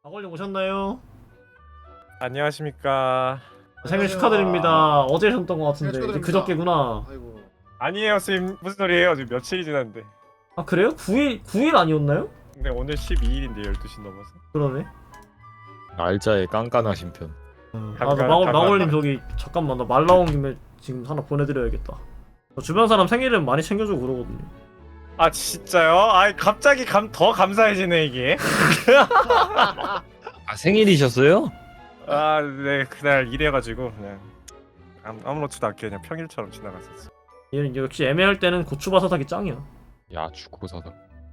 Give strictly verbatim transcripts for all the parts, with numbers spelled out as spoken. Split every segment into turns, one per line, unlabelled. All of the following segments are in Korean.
박원님 오셨나요?
안녕하십니까.
생일 축하드립니다. 어제 하셨던 것 같은데
생일
이제
축하드립니다.
그저께구나.
아이고.
아니에요, 선생님. 무슨 소리예요? 지금 며칠이 지났는데.
아 그래요? 구 일 구 일 아니었나요?
근데 오늘 십이 일인데 열두 시 넘어서.
그러네.
날짜에 깐깐하신 편.
아,
잠깐,
나 마골
잠깐.
마골님 저기 잠깐만 나 말 나온 김에 지금 하나 보내드려야겠다. 저 주변 사람 생일은 많이 챙겨주고 그러거든요.
아 진짜요? 아이 갑자기 감, 더 감사해지네 이게.
아 생일이셨어요?
아, 네 그날 일해가지고 그냥 아무, 아무렇지도 않게 그냥 평일처럼 지나갔었어.
얘는 역시 애매할 때는 고추바사삭이 짱이야.
야 주고사다.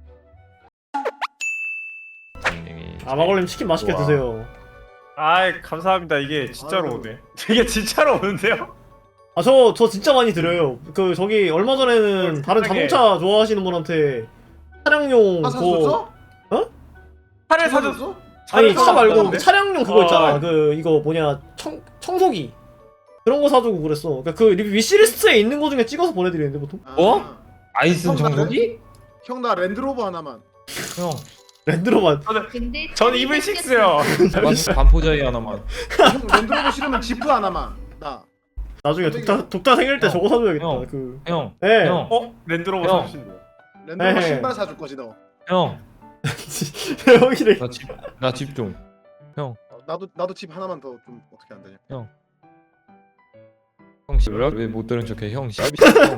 아 마골님 치킨 맛있게
우와.
드세요.
아이 감사합니다. 이게 진짜로
아유.
오네. 이게 진짜로 오는데요?
아 저 저 진짜 많이 드려요. 그 저기 얼마 전에는
어,
다른
세상에.
자동차 좋아하시는 분한테 차량용
아
그거
사줬어?
차를
사줬어?
사줬어?
아니 차 말고
사줬다는데?
그 차량용 그거
어.
있잖아. 그 이거 뭐냐 청 청소기 그런 거 사주고 그랬어. 그러니까 그 위시리스트에 있는 거 중에 찍어서 보내드리는데 보통.
어? 아이슨
형, 나
정석이?
형 나 랜드로버 하나만.
형
랜드로만.
근데
전 이브이 식스요.
반포자이 하나만.
형 랜드로버 싫으면 지프 하나만. 나.
나중에 독타 독타 생일 때
형,
저거 사줘야겠다.
형.
그.
형.
예.
형.
어? 랜드로버
형.
사주신대요.
랜드로버
에헤.
신발 사줄 거지 너.
형.
형이래.
나 집 나 집 좀. 형.
어, 나도 나도 집 하나만 더 좀 어떻게 안 되냐.
형 씨. 왜못 들은 척해? 형 씨. 형.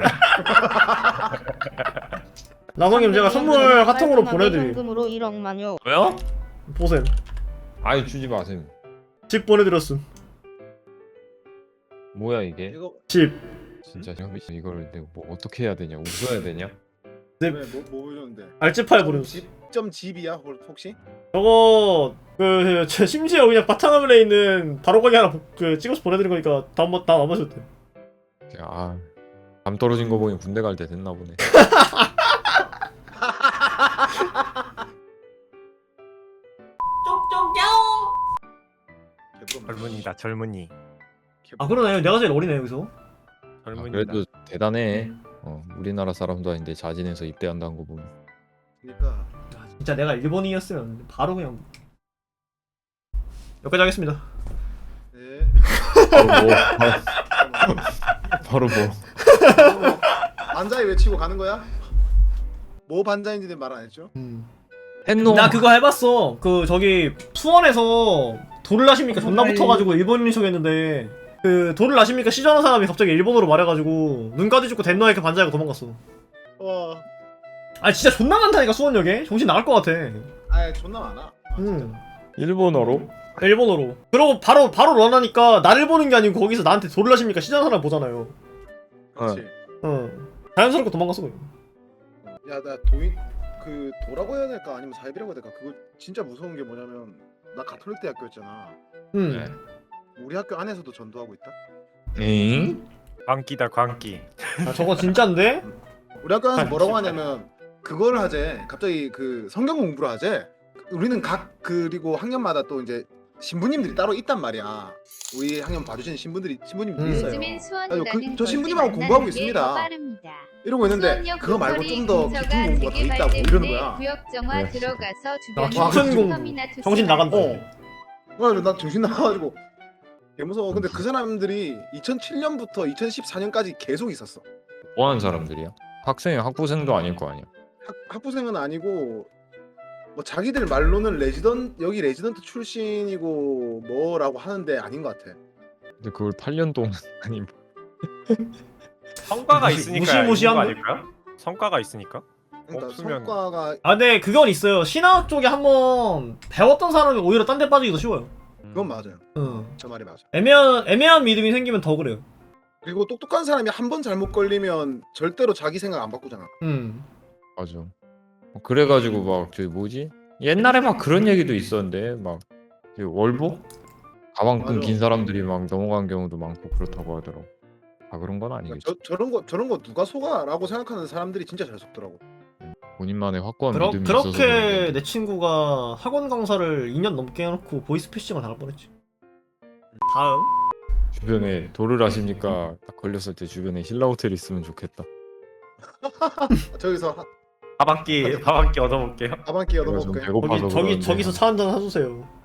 나성님 제가 선물 카톡으로 보내드림.
현금으로 일억만요.
왜요?
보셈.
아니 주지 마세요.
집 보내드렸음.
뭐야 이게?
이거
집.
진짜 형 이걸 내가 뭐 어떻게 해야 되냐? 웃어야 되냐?
네.
왜뭐 뭐 보여줬는데?
알집팔 보내줬어.
집점 집이야 혹- 혹시?
저거 그 저 심지어 그냥 바탕화면에 있는 바로가기 하나 보- 그 찍어서 보내드린 거니까 다음 다 남아줬대.
아. 감 떨어진 거 보니 군대 갈 때 됐나 보네.
개뿔.
젊은이다 젊은이.
개뿔.
아 그러네. 내가 제일 어리네 여기서.
아,
젊은이다.
그래도 대단해. 어, 우리나라 사람도 아닌데 자진해서 입대한다는 거 보면.
그러니까
진짜 내가 일본인이었으면 바로 그냥 여기까지 하겠습니다.
네.
바로 뭐? 바로, 바로 뭐?
반자이 외치고 가는 거야? 뭐 반자인지는 말 안 했죠?
했노.
나 그거 해봤어. 그 저기 수원에서 돌을 아십니까 존나 붙어가지고 일본인 척했는데 그 돌을 아십니까 시전한 사람이 갑자기 일본어로 말해가지고 눈까지 죽고 덴노에게 반자이가 도망갔어.
와.
아니 진짜 존나 많다니까 수원역에 정신 나갈 것 같아.
아 존나 많아. 아, 진짜.
응.
일본어로?
일본어로. 그러고 바로 바로 런하니까 나를 보는 게 아니고 거기서 나한테 돌을 아십니까 시전한 사람 보잖아요.
그렇지.
어. 자연스럽게 도망갔어 그냥.
야 나 도인 그 도라고 해야 될까 아니면 사입이라고 해야 될까 그거 진짜 무서운 게 뭐냐면 나 가톨릭 대학교였잖아.
응.
네.
우리 학교 안에서도 전도하고 있다.
엥?
광기다 광기.
아 저거 진짠데?
우리 학교 안에서 뭐라고 하냐면 그걸 하재. 갑자기 그 성경 공부를 하재. 우리는 각 그리고 학년마다 또 이제 신부님들이 따로 있단 말이야. 우리 학년 봐주시는 신부들이 신부님들이
음.
있어요.
요즘엔
아유, 그-
수원이라는
저 신부님하고
곳을
공부하고
만나는 게
있습니다.
더 빠릅니다.
이러고 있는데
수원역
그거 말고
로터리
좀 더
근처가
깊은 공부가 더
되게
있다고
밝기
이러는
때문에
거야.
구역정화
네.
들어가서
아,
주변에
깊은 공부.
터미나
정신 나간다.
어. 그래서 난 정신 나가가지고 개 무서워. 근데 그 사람들이 이천칠 년부터 이천십사 년까지 계속 있었어.
뭐 하는 사람들이야? 학생, 학부생도 아닐 거 아니야.
학, 학부생은 아니고 뭐 자기들 말로는 레지던 여기 레지던트 출신이고 뭐라고 하는데 아닌 것 같아.
근데 그걸 팔 년 동안 아니 뭐.
성과가
무시-
있으니까
무시무시한
있는 거 아닐까요? 성과가 있으니까.
그러니까
없으면-
성과가
아 근데 그건 있어요. 신학 쪽에 한번 배웠던 사람이 오히려 딴 데 빠지기 더 쉬워요.
그건 맞아요.
응.
저 말이 맞아.
애매한 애매한 믿음이 생기면 더 그래요.
그리고 똑똑한 사람이 한 번 잘못 걸리면 절대로 자기 생각 안 바꾸잖아.
음.
맞아. 어, 그래가지고 막 저기 뭐지? 옛날에 막 그런 얘기도 있었는데 막 저기 월복 가방
맞아.
끊긴 사람들이 막 넘어간 경우도 많고 그렇다고 하더라고. 아 그런 건
그러니까
아니겠지.
저, 저런 거 저런 거 누가 속아라고 생각하는 사람들이 진짜 잘 속더라고.
본인만의 확고한
그러,
믿음이 있어서
그렇게
그런
내 친구가 학원 강사를 이 년 넘게 해놓고 보이스피싱을 당할 뻔했지. 다음.
주변에 도를 아십니까? 딱 걸렸을 때 주변에 힐라 호텔 있으면 좋겠다.
저기서 하-
밥 한 끼 밥 한 끼 얻어볼게요.
밥 한 끼
내가 좀
얻어먹게.
배고파서
저기 저기
그러는데
저기서 차 한잔 사주세요.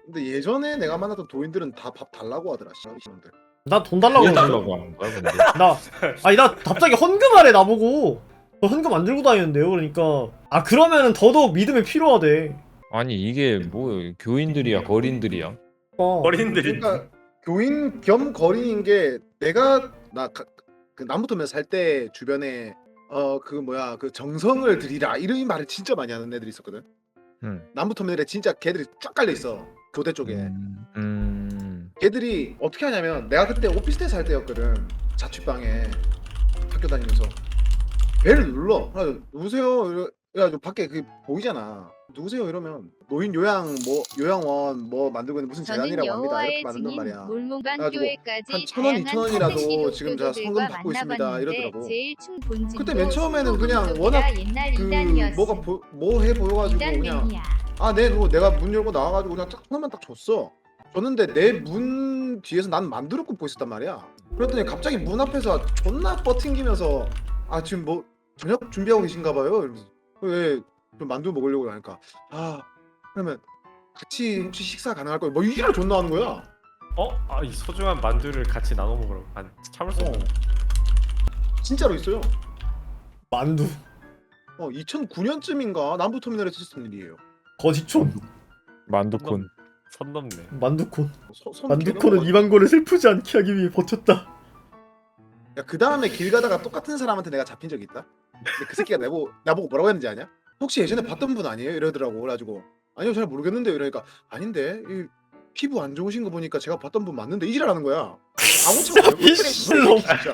근데 예전에 내가 만났던 도인들은 다 밥 달라고 하더라. 씨, 이놈들.
나 돈 달라고
왜
그러지.
달라고 하는 거야 근데?
나 아니 나 갑자기 헌금하래 나보고. 저 헌금 안 들고 다니는데요. 그러니까 아 그러면은 더더욱 믿음이 필요하대.
아니 이게 뭐 교인들이야 거린들이야?
어.
어린들이
그러니까 교인 겸 거린인 게 내가 나 그 남부터면 살 때 주변에 어 그 뭐야 그 정성을 들이라 이런 말을 진짜 많이 하는 애들이 있었거든.
음.
남부터면에 진짜 걔들이 쫙 깔려 있어 교대 쪽에.
음. 음.
걔들이 어떻게 하냐면 내가 그때 오피스텔 살 때였거든. 자취방에 학교 다니면서 배를 눌러. 그래서 누구세요? 이래- 그래가지고 밖에 그 보이잖아. 누구세요? 이러면 노인 요양 뭐 요양원 뭐 만들고 있는 무슨
저는
재단이라고 합니다.
여호와의
이렇게 만든단
증인
말이야.
몰몬관
그래가지고
교회까지
한 천 원, 이천 원이라도
다양한
지금 제가 성금
카테시도
받고 있습니다.
교도들과
이러더라고.
만나봤는데 제일 충
그때 맨 처음에는 그냥 워낙 그 뭐가 뭐 해 보여가지고 그냥 아, 네, 그거 내가 문 열고 나와가지고 그냥 딱 하나만 딱 줬어. 줬는데 내 문 뒤에서 난 만두를 굽고 있었단 말이야. 그랬더니 갑자기 문 앞에서 존나 뻗팅기면서 아 지금 뭐 저녁 준비하고 계신가 봐요. 이러면서 왜 좀 만두 먹으려고 하니까 아 그러면 같이 혹시 식사 가능할 거예요? 뭐 이지랄 존나 하는 거야.
어? 아, 이 소중한 만두를 같이 나눠 먹으러 안 참을 수
어.
없네.
진짜로 있어요.
만두.
어 이천구 년쯤인가 남부터미널에서 있었던 일이에요.
거지촌.
만두콘.
선 넘네.
만두콘.
서, 선
만두콘은
개념-
이만고를 슬프지 않게 하기 위해 버텼다.
야, 그 다음에 길 가다가 똑같은 사람한테 내가 잡힌 적이 있다. 근데 그 새끼가 나보고 나보고 뭐라고 했는지 아냐? 혹시 예전에 봤던 분 아니에요? 이러더라고. 그래가지고 아니요 잘 모르겠는데 이러니까 아닌데 이 피부 안 좋으신 거 보니까 제가 봤던 분 맞는데 이지랄하는 거야. 아무튼
미친놈.
진짜.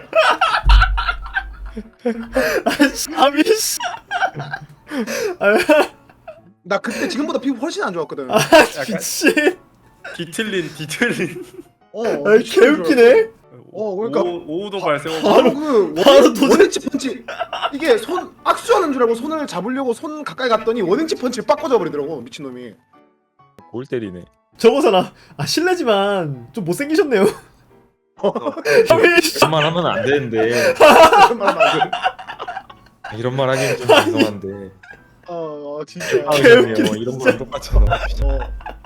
아미씨.
나 그때 지금보다 피부 훨씬 안 좋았거든.
아 미친.
뒤틀린 뒤틀린.
어,
아 개웃기네.
어, 그러니까-
오, 오도 발생.
바로 그
바로
원인,
도전-
원인치 펀치. 이게 손 악수하는 줄 알고 손을 잡으려고 손 가까이 갔더니 원인치 펀치를 빡 꽂아버리더라고 미친놈이.
골 때리네.
저거잖아. 아 실례지만 좀 못생기셨네요. 아미씨.
이런 말 하면 안 되는데
그런 말 하면 안 돼.
아, 이런 말 하기는 좀 죄송한데.
어, 어 진짜.
아,
개웃기네,
그러네요. 이런 거랑 똑같잖아.
어.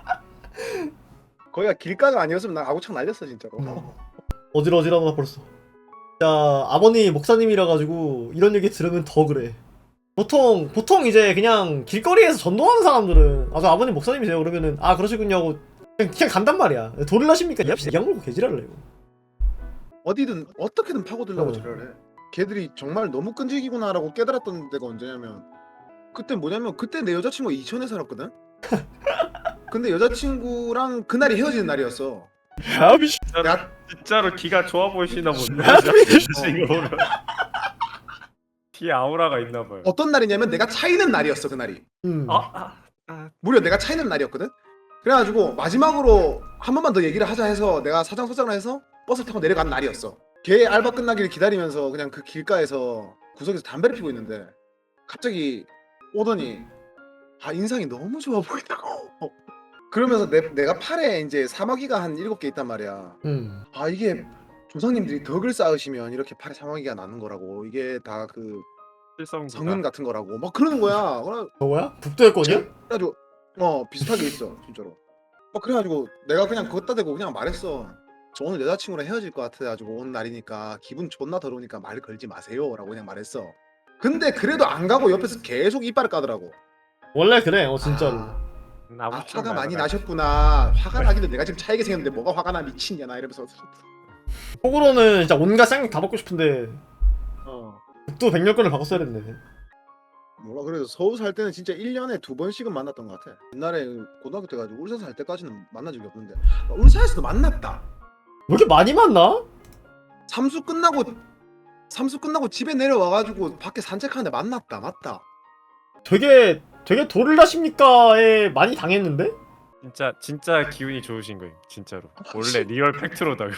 거기가 길가가 아니었으면 나 아구창 날렸어 진짜로.
어질어질하다 벌써. 자 아버님 목사님이라 가지고 이런 얘기 들으면 더 그래. 보통 보통 이제 그냥 길거리에서 전도하는 사람들은 아 저 아버님 목사님이세요 그러면은 아 그러시군요 하고 그냥, 그냥 간단 말이야. 돌을 나십니까? 야 양물고 개지랄래요.
어디든 어떻게든 파고들려고
어.
저래. 걔들이 정말 너무 끈질기구나라고 깨달았던 데가 언제냐면 그때 뭐냐면 그때 내 여자친구가 이천에 살았거든. 근데 여자친구랑 그날이 헤어지는 날이었어.
아미씨.
내가
진짜로 기가 좋아 보이시나 본데.
아,
이거 보면. 뒤에 아우라가 있나 봐요.
어떤 날이냐면 내가 차이는 날이었어 그날이.
음.
아, 아, 아.
무려 내가 차이는 날이었거든. 그래가지고 마지막으로 한 번만 더 얘기를 하자 해서 내가 사장소장을 해서 버스 타고 내려간 날이었어. 걔 알바 끝나기를 기다리면서 그냥 그 길가에서 구석에서 담배를 피고 있는데 갑자기 오더니 아 인상이 너무 좋아 보인다고. 그러면서 내, 내가 팔에 이제 사마귀가 한 일곱 개 있단 말이야.
음.
아 이게 조상님들이 덕을 쌓으시면 이렇게 팔에 사마귀가 나는 거라고. 이게 다 그
실성구가.
성은 같은 거라고 막 그러는 거야. 그래
저거야? 북도의 거냐?
그래가지고 어 비슷하게 있어 진짜로. 막 그래가지고 내가 그냥 그것다 대고 그냥 말했어. 저 오늘 여자친구랑 헤어질 것 같아가지고 오는 날이니까 기분 존나 더러우니까 말 걸지 마세요라고 그냥 말했어. 근데 그래도 안 가고 옆에서 계속 이빨을 까더라고.
원래 그래. 어 진짜로.
아,
아무
아,
쪽
화가 많이
날아가.
나셨구나. 화가 나기도 내가 지금 차이게 생겼는데 뭐가 화가 나 미친냐 나 이러면서.
속으로는 진짜 온갖 쌍욕 다 받고 싶은데
어.
북도 백렬권을 바꿨어야 됐네.
몰라 그래서 서울 살 때는 진짜 일 년에 두 번씩은 만났던 것 같아. 옛날에 고등학교 때 가지고 울산 살 때까지는 만난 적이 없는데 아, 울산에서도 만났다.
왜 이렇게 많이 만나?
삼수 끝나고 삼수 끝나고 집에 내려와가지고 밖에 산책하는데 만났다. 맞다.
되게 되게 돌을 나십니까에 많이 당했는데?
진짜 진짜 기운이 좋으신 거예요. 진짜로. 원래 리얼 팩트로다가.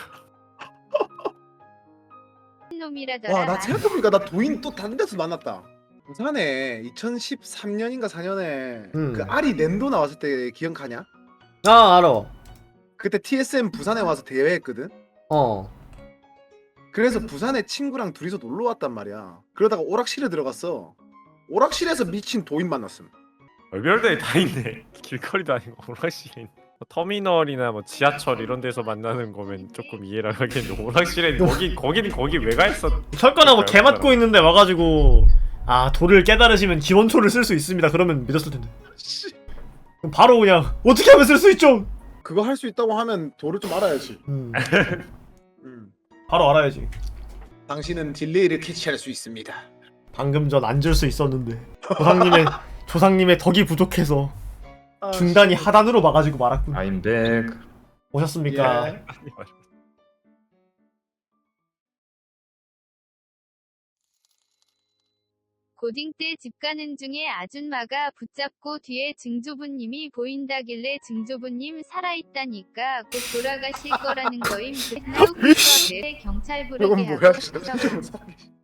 놈이라더라.
와 나 생각해보니까 나 도인 또 다른 데서 만났다. 부산에 이천십삼 년인가 사 년에
음.
그 아리 낸도 나왔을 때 기억하냐?
아 알아.
그때 티에스엠 부산에 와서 대회했거든.
어.
그래서 부산에 친구랑 둘이서 놀러 왔단 말이야. 그러다가 오락실에 들어갔어. 오락실에서 미친 도인 만났음.
별별들이 다 있네. 길거리도 아니고 오락실에 있네. 터미널이나 뭐 지하철 이런 데서 만나는 거면 조금 이해를 하겠는데 오락실에 거기 거기는 거기 왜 가 있어?
철권하고 개 맞고 있는데 와가지고 아 돌을 깨달으시면 기원초를 쓸 수 있습니다. 그러면 믿었을 텐데.
씨,
그럼 바로 그냥 어떻게 하면 쓸 수 있죠?
그거 할 수 있다고 하면 도를 좀 알아야지.
음,
음.
바로 알아야지.
당신은 딜레이를 캐치할 수 있습니다.
방금 전 앉을 수 있었는데 조상님의 조상님의 덕이 부족해서
아,
중단이 하단으로 막아지고 말았군.
I'm back.
오셨습니까?
예.
고딩 때 집 가는 중에 아줌마가 붙잡고 뒤에 증조부님이 보인다길래 증조부님 살아있다니까 곧 돌아가실 거라는 거임. 그날 후부터 내 경찰 부르게
이건 뭐야?
하고 싶다고.